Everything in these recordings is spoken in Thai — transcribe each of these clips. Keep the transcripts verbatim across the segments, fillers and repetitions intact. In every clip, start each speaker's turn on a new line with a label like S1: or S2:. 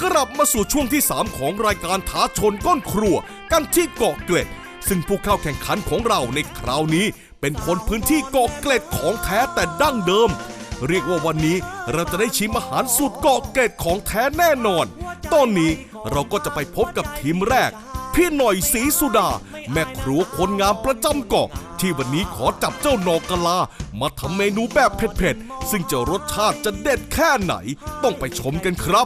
S1: ลับมาสู่ช่วงที่สามของรายการท้าชนก้นครัวกันที่เกาะเกร็ดซึ่งผู้เข้าแข่งขันของเราในคราวนี้เป็นคนพื้นที่เกาะเกร็ดของแท้แต่ดั้งเดิมเรียกว่าวันนี้เราจะได้ชิมอาหารสูตรเกาะเกร็ดของแท้แน่นอนตอนนี้เราก็จะไปพบกับทีมแรกพี่หน่อยศรีสุดาแม่ครัวคนงามประจำเกาะที่วันนี้ขอจับเจ้านอกกะลามาทำเมนูแบบเผ็ดๆซึ่งจะรสชาติจะเด็ดแค่ไหนต้องไปชมกันครับ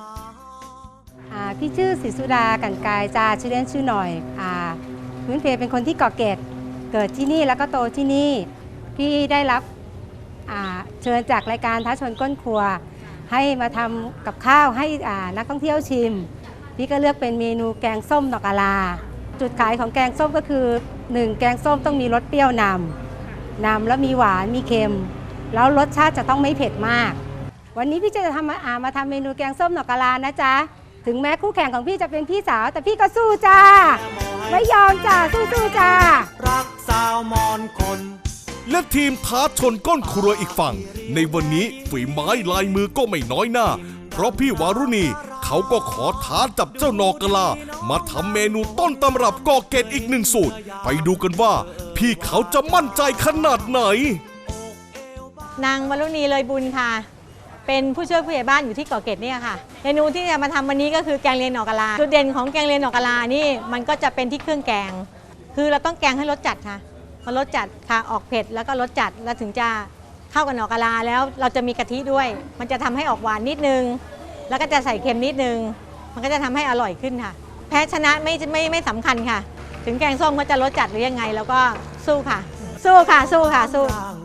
S2: พี่ชื่อศรีสุดากันกายจ้าชื่อเล่นชื่อหน่อยอ่าพื้นเพเป็นคนที่เกาะเกร็ดเกิดที่นี่แล้วก็โตที่นี่พี่ได้รับเชิญจากรายการท้าชนก้นครัวให้มาทำกับข้าวให้นักท่องเที่ยวชิมพี่ก็เลือกเป็นเมนูแกงส้มดอกกะลาจุดขายของแกงส้มก็คือหนึ่งแกงส้มต้องมีรสเปรี้ยวนำนำแล้วมีหวานมีเค็มแล้วรสชาติจะต้องไม่เผ็ดมากวันนี้พี่จะทำมามาทำเมนูแกงส้มดอกกะลานะจ๊ะถึงแม้คู่แข่งของพี่จะเป็นพี่สาวแต่พี่ก็สู้จ้าไม่ยอมจ้าสู้ๆจ้า
S3: รักสาวมอนคน
S1: และทีมท้าชนก้นครัวอีกฝั่งในวันนี้ฝีไม้ลายมือก็ไม่น้อยหน้าเพราะพี่วารุณีเขาก็ขอท้าจับเจ้านอกะลามาทำเมนูต้นตำรับเกาะเกร็ดอีกหนึ่งสูตรไปดูกันว่าพี่เขาจะมั่นใจขนาดไหน
S4: นางวารุณีเลยบุญค่ะเป็นผู้ช่วยผู้ใหญ่บ้านอยู่ที่เกาะเกร็ดเนี่ยค่ะเมนูที่จะมาทำวันนี้ก็คือแกงเลียงหน่อกะลาจุดเด่นของแกงเลียงหน่อกะลานี่มันก็จะเป็นที่เครื่องแกงคือเราต้องแกงให้รสจัดค่ะพอรสจัดค่ะออกเผ็ดแล้วก็รสจัดแล้วถึงจะเข้ากับหน่อกะลาแล้วเราจะมีกะทิด้วยมันจะทำให้ออกหวานนิดนึงแล้วก็จะใส่เค็มนิดนึงมันก็จะทำให้อร่อยขึ้นค่ะแพ้ชนะไม่ไม่ไม่สำคัญค่ะถึงแกงส้มก็จะรสจัดหรือยังไงแล้วก็สู้ค่ะสู้ค่ะสู้ค่ะสู้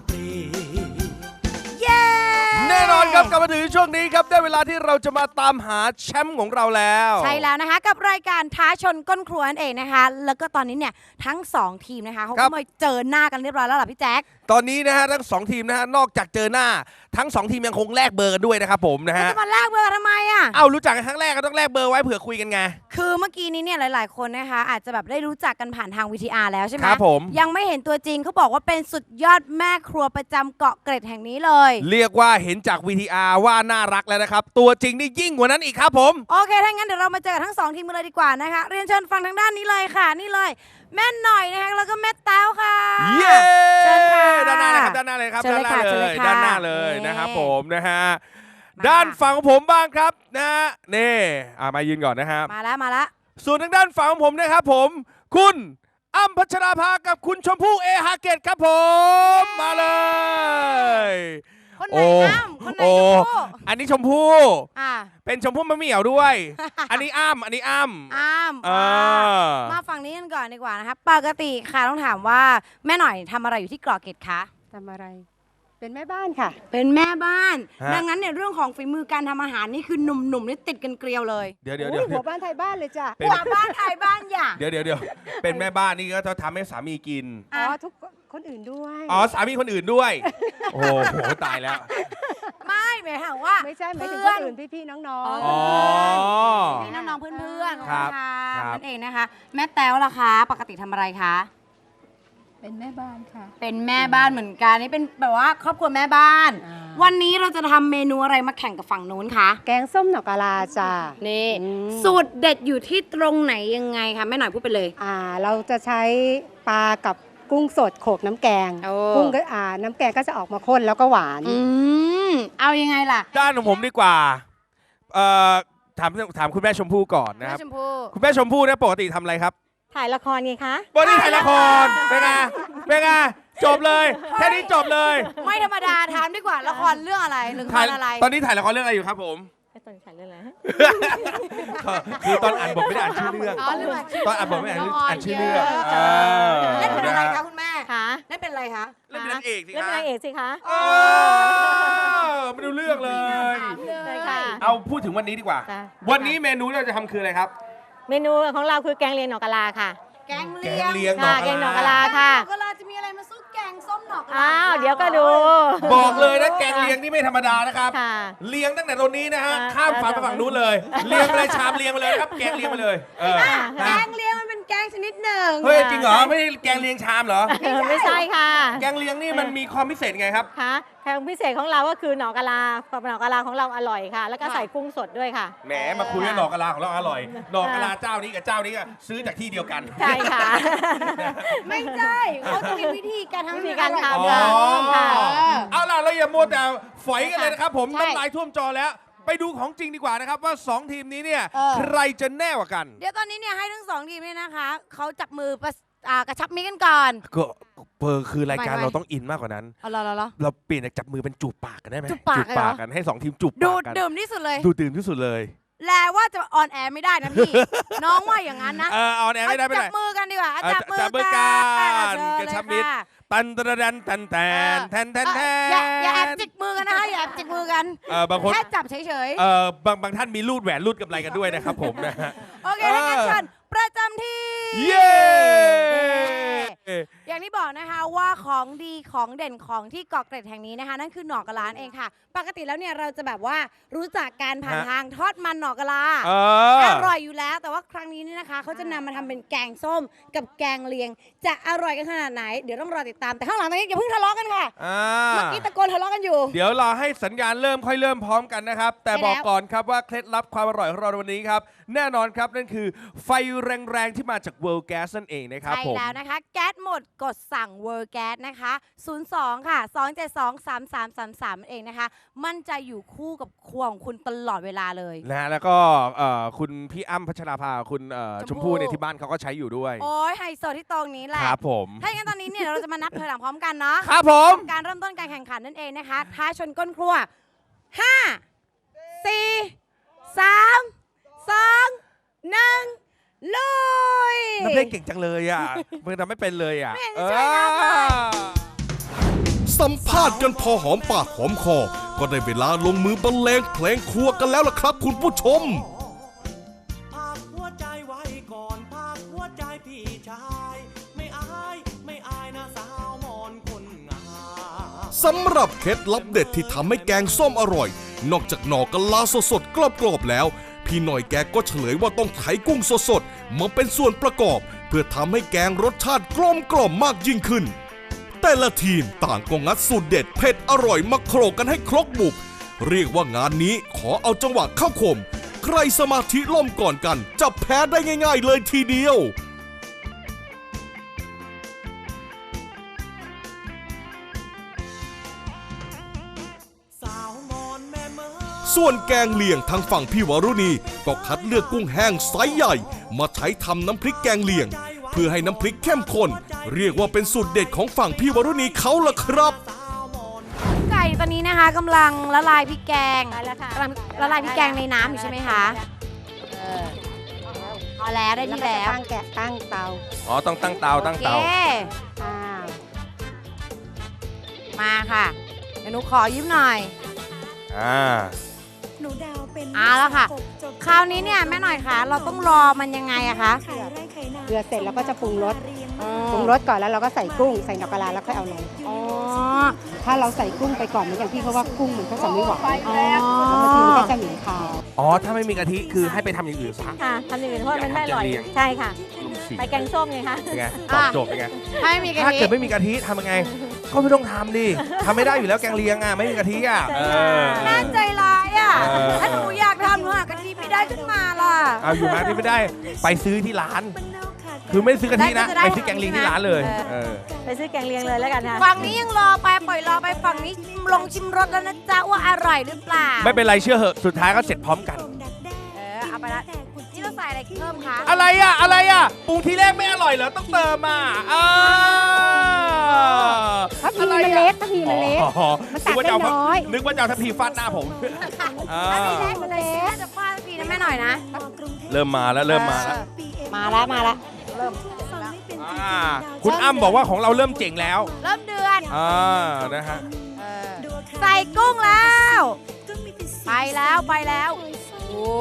S5: แน่นอนครับกลับมาถึงช่วงนี้ครับได้เวลาที่เราจะมาตามหาแชมป์ของเราแล้ว
S6: ใช่แล้วนะคะกับรายการท้าชนก้นครัวนั่นเองนะคะแล้วก็ตอนนี้เนี่ยทั้งสองทีมนะคะเขาก็มาเจอหน้ากันเรียบร้อยแล้วล่ะพี่แจ๊ค
S5: ตอนนี้นะฮะทั้งสองทีมนะฮะนอกจากเจอหน้าทั้งสองทีมยังคงแลกเบอร์กันด้วยนะครับผมนะฮะ
S6: จะมาแลกเบอร์ทำไมอ่ะ
S5: เอ้ารู้จักกันครั้งแรกก็ต้องแลกเบอร์ไว้เผื่อคุยกันไง
S6: คือเมื่อกี้นี้เนี่ยหลายๆคนนะคะอาจจะแบบได้รู้จักกันผ่านทาง วี ที อาร์ แล้วใช่ไหม
S5: ครับผม
S6: ยังไม่เห็นตัวจริงเขาบอกว่าเป็นสุดยอดแม่ครัวประจำเกาะเกร็ดแห่งนี้เลย
S5: เรียกว่าเห็นจาก วี ที อาร์ ว่าน่ารักแล้วนะครับตัวจริงนี่ยิ่งกว่านั้นอีกครับผม
S6: โอเคถ้างั้นเดี๋ยวเรามาเจอกันทั้งสองทีมกันเลยดีกว่านะคะเรียนเชิญฟังทางด้านนี้เลยค่ะนี่เลยแม่หน่อยนะคะแล้วก็แม่แต้วค่ะ
S5: เย้
S6: เชิญค่ะ
S5: ด้านหน้าเลยครับด้านหน้าเลยครับ
S6: ด้านหน้าเลย
S5: ด้านหน้าเลยนะครับผมนะฮะด้านฝั่งของผมบ้างครับนะฮะนี่อ่ามายืนก่อนนะครับ
S6: มาแล้วมาแล้ว
S5: ส่วนทางด้านฝั่งของผมนะครับผมคุณอ้ำพัชราภากับคุณชมพู่เอฮาเกตครับผมมาเลย
S6: คนไหนอ้ำคนไหนชมพู่
S5: อันนี้ชมพู่
S6: อ่า
S5: เป็นชมพู่มะเหมี่ยวด้วยอันนี้อ้ำอันนี้อ้ำ
S6: อ้ำมาฝั่งนี้กันก่อนดีกว่านะคะปกติค่ะต้องถามว่าแม่หน่อยทำอะไรอยู่ที่เกาะเกร็ดคะ
S2: ทำอะไรเป็นแม่บ้านค่ะ
S6: เป็นแม่บ้านดังนั้นเนี่ยเรื่องของฝีมือการทำอาหารนี่คือหนุ่มๆนี่ติดกันเกลียวเลย
S5: เดี๋ยวเดี๋ยวเดี๋ยว
S2: หัวบ้านไทยบ้านเลยจ้ะ
S6: หัวบ้านไทยบ้านอย่า
S5: เดี๋ยวเดี๋ยวเดี๋ยวเป็นแม่บ้านนี่ก็จะทำให้สามีกิน
S2: อ๋อทุกคนอื่นด้วย
S5: อ๋อสามีคนอื่นด้วยโอ้โหตายแล้ว
S6: ไม่หมายถึงว่า
S2: ไม่ใช่หมายถึงคนอื่นพี่ๆน้อง
S5: ๆอ๋อ
S6: พี่น้องๆเพื่อนๆค่ะนั่นเองนะคะแม่แต้วล่ะคะปกติทำอะไรคะ
S2: เป็นแม่บ้านค่ะ
S6: เป็นแม่บ้านเหมือนกันนี่เป็นแบบว่าครอบครัวแม่บ้านวันนี้เราจะทำเมนูอะไรมาแข่งกับฝั่งนู้นคะ
S2: แกงส้มหน่อกะลาจ้า
S6: นี่สูตรเด็ดอยู่ที่ตรงไหนยังไงคะแม่หน่อยพูดไปเลย
S2: อ่าเราจะใช้ปลากับกุ้งสดโขลกน้ำแกงกุ้งก็อ่าน้ำแกงก็จะออกมาข้นแล้วก็หวาน
S6: อืมเอายังไงล่ะ
S5: ด้านของผมดีกว่าเอ่อถามถามคุณแม่ชมพู่ก่อนนะครับคุณแม่ชมพู่เนี่ยปกติทำอะไรครับ
S4: ถ่ายละครไงคะ
S5: ปกติถ่ายละครเป็นไงเป็นไงจบเลยแค่นี้จบเลย
S6: ไม่ธรรมดาถามดีกว่าละครเรื่องอะไรหรือละครอะไร
S5: ตอนนี้ถ่ายละครเรื่องอะไรอยู่ครับผม
S4: ตอนถ่ายเรื่องอะไร
S5: คือตอนอ่านบทไม่ได้อ่านชื่อเรื่องตอนอ่านบทไม่ได้อ่านชื่อเรื่อง
S6: เล่นเป็นอะไรคะคุณแม่
S4: คะ
S6: เล่นเป็นอะไรคะ
S5: เล่นเป็นนางเอกสิคะ
S4: เล่นเป็นนางเอกสิคะ
S5: ไม่ดูเรื่องเลยเอาพูดถึงวันนี้ดีกว่าวันนี้เมนูที่เราจะทำคืออะไรครับ
S4: เมนูของเราคือแกงเลียงหน่อกะลาค่ะ
S6: แกงเลียง
S4: ค่ะแกงหน่อกะลาค่ะ
S6: หน่อกะลาจะมีอะไรมาสู้แกงส้มหน่อกะลา
S4: อ้าวเดี๋ยวก็ดู
S5: บอกเลยนะแกงเลียงนี่ไม่ธรรมดานะครับเลียงตั้งแต่ตรงนี้นะฮะข้ามฝั่งไปฝั่งนู้นเลยเลียงอะไรชามเลียงมาเลยครับแกงเลียงมาเลย
S6: แกงเลียงมันเป็นแกงงชนิดหนึ่ง
S5: เฮ้ยจริงเหรอไม่ใช่แกงเลียงชามเหรอ
S4: เออไม่ใช่ค่ะ
S5: แกงเลียงนี่มันมีความพิเศษไงครับ
S4: ค่ะแข่งพิเศษของเราก็คือหน่อกะลาหน่อกะลาของเราอร่อยค่ะ แล้วก็ใส่กุ้งสดด้วยค่ะ
S5: แหมมาคุยว่าหนอกกะลาของเราอร่อยหนอกกะลาเจ้านี้กับเจ้านี้ก็ซื้อจากที่เดียวกัน
S4: ใช่ค่ะ
S6: ไม่ใช่เขาจะมีวิธีการทำ
S4: วิธีการ
S6: ให้
S4: ทำ
S6: อร่อย
S5: อ๋อ
S4: ค่ะ
S5: เอาล่ะเราอย่ามัวแต่ฝอยกันเลยนะครับผม
S6: ใช่
S5: น้ำลายท่วมจอแล้ว ไปดูของจริงดีกว่านะครับว่าสองทีมนี้เนี่ย
S6: เออ
S5: ใครจะแน่กว่ากัน
S6: เดี๋ยวตอนนี้เนี่ยให้ทั้งสองทีมเนี่ยนะคะเขาจับมือประอ่ากระชับมิตรกันก่อน
S5: ก็เปอร์คือรายการ
S6: ไม่ไม่
S5: เราต้องอินมากกว่านั้น
S6: เอาละละละ
S5: เราเปลี่ยนจากจับมือเป็นจูบปากกันได้ไหม
S6: จูบปากเลยเหรอ
S5: กันให้สองทีมจูบ
S6: ดู
S5: ปาก
S6: ด
S5: กัน
S6: ดื่มที่สุดเลย
S5: ดูดื่มที่สุดเลย
S6: แลว่าจะออนแอร์ไม่ได้นะพี่ น้องว่าอย่างนั้นนะ
S5: เออเอาแน่ไม่ได้ไม่
S6: จั
S5: ได้
S6: บมือกันดีกว่า
S5: เออ
S6: จับมือ
S5: จับมือ
S6: กั
S5: กัน
S6: เชิญ
S5: กระชับ
S6: เลย
S5: มิตร
S6: ค่ะ
S5: ตันตระดันตันแตนแทนแทนแท
S6: เอออย่าน อย่าแอบจิกมือกันนะคะอย่าแอบจิกมือกัน
S5: เออบางคน
S6: แค่จับเฉย
S5: เออบางบางท่านมีรูดแหวนรูดกำไรกันด้วยนะครับผมนะฮะ
S6: ๆโอเคถ้างั้นเชิญประจำที่
S5: เย้
S6: อย่างที่บอกนะคะว่าของดีของเด่นของที่เกาะเกร็ดแห่งนี้นะคะ นั่นคือหน่อกะลาเองค่ะ ปกติแล้วเนี่ยเราจะแบบว่ารู้จักการผ่าน
S5: ฮะ
S6: ทางทอดมันหน่อกะลา
S5: เออ
S6: อร่อยอยู่แล้ว แต่ว่าครั้งนี้นี่นะคะเขาจะนำมาทำเป็นแกงส้มกับแกงเลียง จะอร่อยกันขนาดไหน เดี๋ยวต้องรอติดตามแต่ข้างหลังตอนนี้อย่าเพิ่งทะเลาะกันค่ะ
S5: อ่า
S6: เมื่อกี้ตะโกนทะเลาะกันอยู่
S5: เดี๋ยวเราให้สัญญาณเริ่มค่อยเริ่มพร้อมกันนะครับ แต่
S6: ใช่แล้ว
S5: บอกก่อนครับว่าเคล็ดลับความอร่อยของเราในวันนี้ครับ แน่นอนครับนั่นคือไฟแรงๆที่มาจาก World Gas นั่นเองนะครับ
S6: ใช่
S5: ผม
S6: แล้วนะคะ แก๊สหมดกดสั่ง World Gas นะคะ ศูนย์ สอง ค่ะ สอง เจ็ด สอง สาม สาม สาม สาม เองนะคะ มั่นใจอยู่คู่กับครัวของคุณตลอดเวลาเลย
S5: นะฮะแล้วก็เอ่อคุณพี่อ้ำพัชราภาคุณเอ่อ
S6: ช
S5: ช
S6: ม
S5: ม
S6: พู่
S5: พู่เนี่ยที่บ้านเขาก็ใช้อยู่ด้วย
S6: โอ้ยไฮโซที่ตรงนี้แหละ
S5: ครับผม
S6: ถ้าอย่างนั้นตอนนี้เนี่ยเราจะมานับถอยหลังพร้อมกันเนาะ
S5: ครับผม
S6: การเริ่มต้นการแข่งขันนั่นเองนะคะท้าชนก้นครัว ห้า สี่ สาม สอง หนึ่ง ลุย
S5: น้ำเพลงเก่งจังเลยอ่ะมันทำไม่เป็นเลยอ่ะ
S6: ไม่เห็นจะช่วยนับเลย
S1: สัมภาษณ์กันพอหอมปากหอมคอ ก็ได้เวลาลงมือบรรเลงเพลงครัวกันแล้วล่ะครับคุณผู้ชม
S3: ภาคหัวใจไว้ก่อนภาคหัวใจพี่ชาย ไม่อาย ไม่อายนะสาวมอนคนงาม
S1: สำหรับเคล็ดลับเด็ดที่ทำให้แกงส้มอร่อย นอกจากหน่อกะลาสดๆกรอบๆแล้ว พี่หน่อยแกก็เฉลยว่าต้องไถกุ้งสดๆมาเป็นส่วนประกอบ เพื่อทำให้แกงรสชาติกลมกล่อมมากยิ่งขึ้น แต่ละทีมต่างก็งัดสูตรเด็ดเผ็ดอร่อยมาโขลกกันให้ครกบุก เรียกว่างานนี้ขอเอาจังหวะเข้าคม ใครสมาธิล่มก่อนกันจะแพ้ได้ง่ายๆเลยทีเดียว
S3: สาวมอนแม่เมื่อ
S1: ส่วนแกงเลียงทางฝั่งพี่วรุณีก็คัดเลือกกุ้งแห้งไซส์ใหญ่ มาใช้ทำน้ำพริกแกงเลียง เพื่อให้น้ำพริกเข้มข้นเรียกว่าเป็นสูตรเด็ดของฝั่งพี่วรุณีเขาล่ะครับ
S6: ไก่ตอนนี้นะคะกำลังละลายพริกแกง
S4: ได้แล้วค่ะ
S6: กำลังละลายพริกแกงในน้ำอยู่ใช่ไหมคะเออพอแล้วได้ที่แล้ว
S2: ตั้งแกะตั้งเตา
S5: อ๋อต้องตั้งเตาตั้งเตา
S6: โอเค
S2: อ่า
S6: มาค่ะเดี๋ยวหนูขอยืมหน่อย
S5: อ่า
S7: หนูดาวเป็น
S6: เอาละค่ะ คราวนี้เนี่ยแม่หน่อยคะเราต้องรอมันยังไงอะคะ
S7: ขายไร่ขายนา
S2: เกลือเสร็จแล้วก็จะปรุงรส
S6: อ๋อ
S2: ปรุงรสก่อนแล้วเราก็ใส่กุ้งใส่หน่อกะลาแล้วค่อยเอาลง
S6: อ๋อ
S2: ถ้าเราใส่กุ้งไปก่อนเหมือนอย่างพี่เขาว่ากุ้งมันก็จะไม่หวาน
S6: อ๋อ
S2: แล้วบางทีมันก็จะเหม็นคาว
S5: อ๋อถ้าไม่มีกะทิคือให้ไปทำอย่างอื่นซะ
S4: ค่ะทำอย่างอื่นเพราะมันไม่อร่อย
S5: อยากทำแกงเลียง
S4: ใช่ค่ะ
S5: ลุงสี
S4: ไปแกงส้มไงคะ
S5: เป็นไงตอบโจทย์เป็นไง
S6: ถ้าไม่มีกะ
S5: ถ้า
S6: ทิ
S5: เกิดไม่มีกะทิทำยังไง ก็ไม่ต้องทำดิทำไม่ได้อยู่แล้วแกงเลียงอ่ะไม่มีกะทิอ่ะเออ
S6: น่าใจร้ายอ่ะ
S5: เออ
S6: ถ้าหนูอยากทำหนูหากะทิไม่ได้ขึ้นมาล่ะ
S5: เอาอยู่ร้านนี้ไม่ได้ไปซื้อที่ร้าน คือไม่ซื้อกะทินะ
S6: ได้ก็จะได้
S5: ไปซื้อแกงเลียงที่ร้านเลย
S6: เออ
S5: เออ
S4: ไปซื้อแกงเลียงเลยแล้วกันค่ะ
S6: ฝั่งนี้ยังรอไปปล่อยรอไปฝั่งนี้ลงชิมรสแล้วนะจ๊ะว่าอร่อยหรือเปล่า
S5: ไม่เป็นไรเชื่อเหอะสุดท้ายก็เสร็จพร้อมกัน
S6: เออเอาไปละนี่เราใส่อะไรเพิ่มคะ
S5: อะไรอ่ะอะไรอ่ะปรุงทีแรกไม่อร่อยเหรอต้องเติมอ่ะอ่า
S2: ถ้าพีมันเล็กถ้าพีมันเล็ก
S5: อ๋อ
S2: มันตั
S5: นึ
S2: ก
S5: กว่าจะเอา
S2: ได้น้อย
S5: นึกว่าจะเอาทัพพีฟาดหน้าผมอ่า
S6: แรกมันเล็กน่าจะฟาดปีนะแม่หน่อยนะ
S5: เริ่มมาแล้วเริ่มมาแล้ว
S2: มาแล้วมาแล้ว
S5: อ่าคุณอ้ำบอกว่าของเราเริ่มเจ๋งแล้ว
S6: เริ่มเดือน
S5: อ่านะฮะ
S6: เออใส่กุ้งแล้ว ไปแล้วไปแล้ว โอ้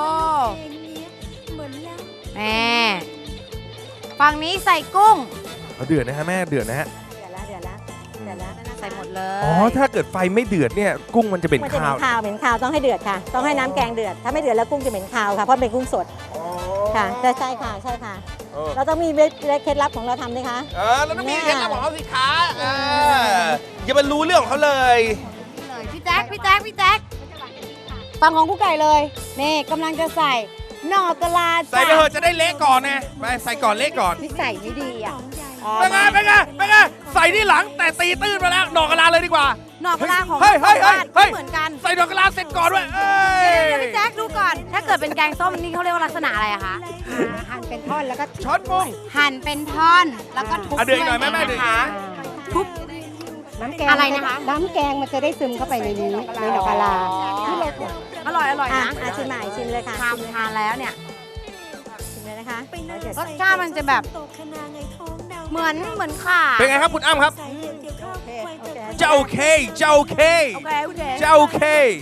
S6: แม่ฝั่งนี้ใส่กุ้ง
S5: เอาเดือดนะฮะแม่เดือดนะฮะ
S4: เดือดแล้วเดือดแล้วเดือดแล้ว
S6: ใส่หมดเลย
S5: อ๋อถ้าเกิดไฟไม่เดือดเนี่ยกุ้งมันจะเป็น
S4: มันจะ
S5: คา
S4: เหม็
S5: วน
S4: คาวเหม็นคาวต้องให้เดือดค่ะ ต้องให้น้ำแกงเดือด ถ้าไม่เดือดแล้วกุ้งจะเหม็นคาวค่ะ เพราะเป็นกุ้งสด
S5: อ๋อ
S4: ค่ะใช่ใช่ค่ะใช่ค่ะ
S5: เอออ
S4: เราต้องมีเคล็ดลับของเราทำด้วยคะ
S5: เออแล้วต้องมีเคล็ดลับของเขาสิคะเอออย่าไปรู้เรื่องของเขาเลย
S6: เลยพี่แจ๊คพี่แจ๊คพี่แจ๊คฟังของกุ๊กไก่เลยนี่กำลังจะใส่หน่อกะลา
S5: ใส่ไปเถอะจะได้เละก่อนไงไปใส่ก่อนเละก่อน
S6: พี่ใส่ไม่ดีอ่ะ
S5: เป็นไงเป็นไงเป็นไงใส่ที่หลังแต่ตีตื้นมาแล้วหนอกกะลาเลยดีกว่า
S6: หน่อกะลาของ
S5: เฮ้ยเฮ้ยเฮ้ยเฮ้ย
S6: เหมือนกัน
S5: ใส่หนอกกะลาเสร็จก่อนด้วยเอ้
S6: เดี๋ยวย เดี๋ยวพี่แจ๊คดูก่อน ถ้าเกิดเป็นแกงส้มนี่เขาเรียกว่าลักษณะอะไรอะคะ
S2: อ่าหั่นเป็นท่อนแล้วก็
S5: ช้อนมุ้ง
S6: หั่นเป็นท่อนแล้วก็ทุบ
S5: อ่ะเดี๋ยวอีกหน่อยแม่แม่
S6: ด้
S5: เดี๋
S6: ว
S5: ยว
S6: นะคะ
S2: ทุบน้ำแกง
S6: อะไรนะคะ
S2: น้ำแกงมันจะได้ซึมเข้าไปในนี้ในดอกกะลาที่เรา
S6: อร่อยอร่อย
S4: อ่ะ
S6: นะ
S4: อ่ะชิมใหม่ชิมเลยค่ะ
S6: ทำทานแล้วเนี่ย
S4: ชิมเลยนะคะ
S6: รสชาติมันจะแบบเหมือนเหมือนข่า
S5: เป็นไงครับคุณอ้ำครับ จะโอเคจะโอเค
S6: โอเคโอเค
S5: จะโอเค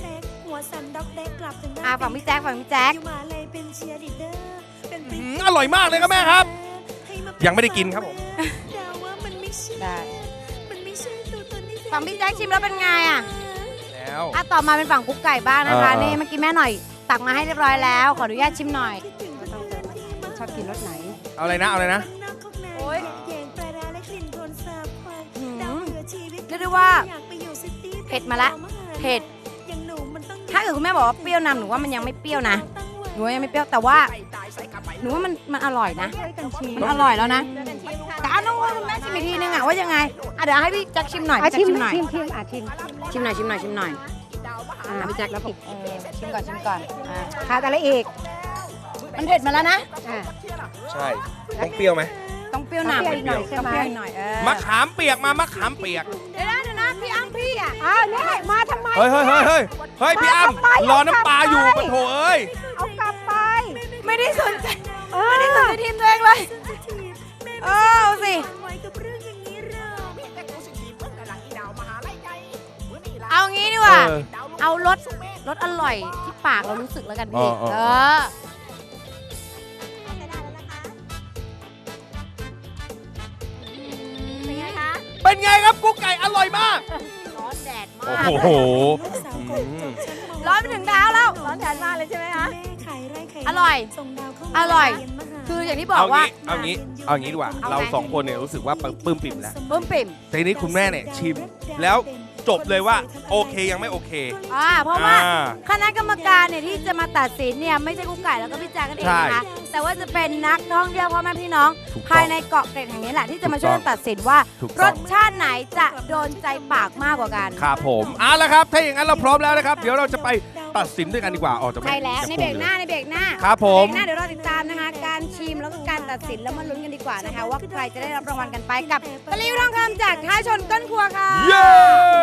S6: อ่ะฝั่งพี่แจ๊คฝั่งพี่แจ๊ค
S5: อืมอร่อยมากเลยครับแม่ครับ ยังไม่ได้กินครับผม
S2: ได้
S6: ฝั่งพี่แจ๊คชิมแล้วเป็นไงอ่ะ
S5: แล้ว
S6: อ่ะต่อมาเป็นฝั่งกุ๊กไก่บ้างนะคะ
S5: เออ
S6: นี่เมื่อกี้แม่หน่อย ตักมาให้เรียบร้อยแล้ว ขออนุญาตชิมหน่อย
S2: ต้องเติมชอบกินรสไหน
S5: เอาอะไรนะเอาอะไรนะ
S6: โอ้ยเรียกได้ว่าเผ็ดมาละเผ็ด ถ้าเกิดคุณแม่บอกว่าเปรี้ยวนำหนูว่ามันยังไม่เปรี้ยวนะหนูว่ายังไม่เปรี้ยวแต่ว่าหนูว่ามันมันอร่อยนะมันอร่อยแล้วนะแต่เอาน้องว่าคุณแม่ชิมอีกทีนึงอ่ะว่ายังไงอ่ะเดี๋ยวให้พี่แจ็คชิมหน่อย
S2: อ่ะ
S6: พี่แจ็ค
S2: ชิม
S6: ชิมหน่อย
S2: ชิมชิมอ่ะชิม
S6: ชิมหน่อยชิมหน่อยชิมหน่อย
S2: อ่ะ
S6: อ่ะพี่แจ็คแล้วผมเออชิมก่อนชิมก่อนอ่ะ
S2: ขาดอะไรอีก
S6: มันเผ็ดมาแล้วนะ
S2: อ่ะ
S5: ใช่ต้องเปรี้ยวไหม
S6: ต้องเปรี้ยวนำ
S2: ต้องเปรี้ยวอีกหน่อยใช่ไหม
S6: ต้องเปรี้ยวอีกหน่อยเออ
S5: มะขามเปียกมามะขามเปียก
S6: เดี๋ยวนะเดี๋ยวนะพี่อ้ำพี่อ่ะ
S2: อ้าวนี่มาทำไม
S5: เฮ้ยเฮ้ยเฮ้ยเฮ้ยเฮ้ยพี่อ้ำ
S2: มาทำไม
S5: รอน้ำปลาอยู่
S2: เอากลับไป
S5: ปะโถเอ้ย
S2: เอากลับไป
S6: ไม่ได้สนใจ
S2: เออ
S6: ไม่ได้สนใจทีมตัวเองเลยเออเอาสิเอางี้ดีกว่า
S5: เออ
S6: เอารสรสอร่อยที่ปากเรารู้สึกแล้วกันพี่
S5: อ๋ออ๋อ
S6: เออเป็นไงคะ
S5: เป็นไงครับกุ๊กไก่อร่อยมาก
S6: ร้อนแดดมา
S5: โอ้
S6: ก
S5: โห
S6: ร้อนไปถึงเท้าแล้ว
S4: ร้อนแดดมากเลยใช่ไหมคะ
S6: อร่อย อร่อย คืออย่างที่บอ
S5: เอา
S6: กว่า
S5: งี้เอางี้เอางี้ดีกว่า
S6: เอาไง
S5: เราสองคนเนี่ยรู้สึกว่าปลื้มปิ่มแล้ว
S6: เพิ่มปิ่ม
S5: แต่ทีนี้คุณแม่เนี่ยชิม แล้วจบเลยว่าโอเคยังไม่โอเค
S6: อ่าเพราะว่า
S5: อ่า
S6: คณะกรรมการเนี่ยที่จะมาตัดสินเนี่ยไม่ใช่กุ๊กไก่แล้วก็พี่แจ๊คกันเองนะคะ แต่ว่าจะเป็นนักท่องเที่ยวพ่อแม่พี่น้อง
S5: ถูกต้อง
S6: ภายในเกาะเกร็ดแห่งนี้แหละที่จะมาช่วยกันตัดสินว่า
S5: ถูก
S6: ร
S5: ต้อง
S6: สชาติไหนจะโดนใจปากมากกว่ากัน
S5: ครับผมเอาละครับ ถ้าอย่างนั้นเราพร้อมแล้วนะครับ เดี๋ยวเราจะไปตัดสินด้วยกันดีกว่าออกจาก
S6: ใช่แล้วในเบรกหน้าในเบรกหน้า
S5: ครับผม
S6: เบรกหน้าเดี๋ยวเราติดตามนะคะ การชิมแล้วก็การตัดสินแล้วมาลุ้นกันดีกว่านะคะ ว่าใครจะได้รับรางวัลกันไปกับตะลิวทองคำจากท้ายชนก้นครัวค่ะ
S5: เย้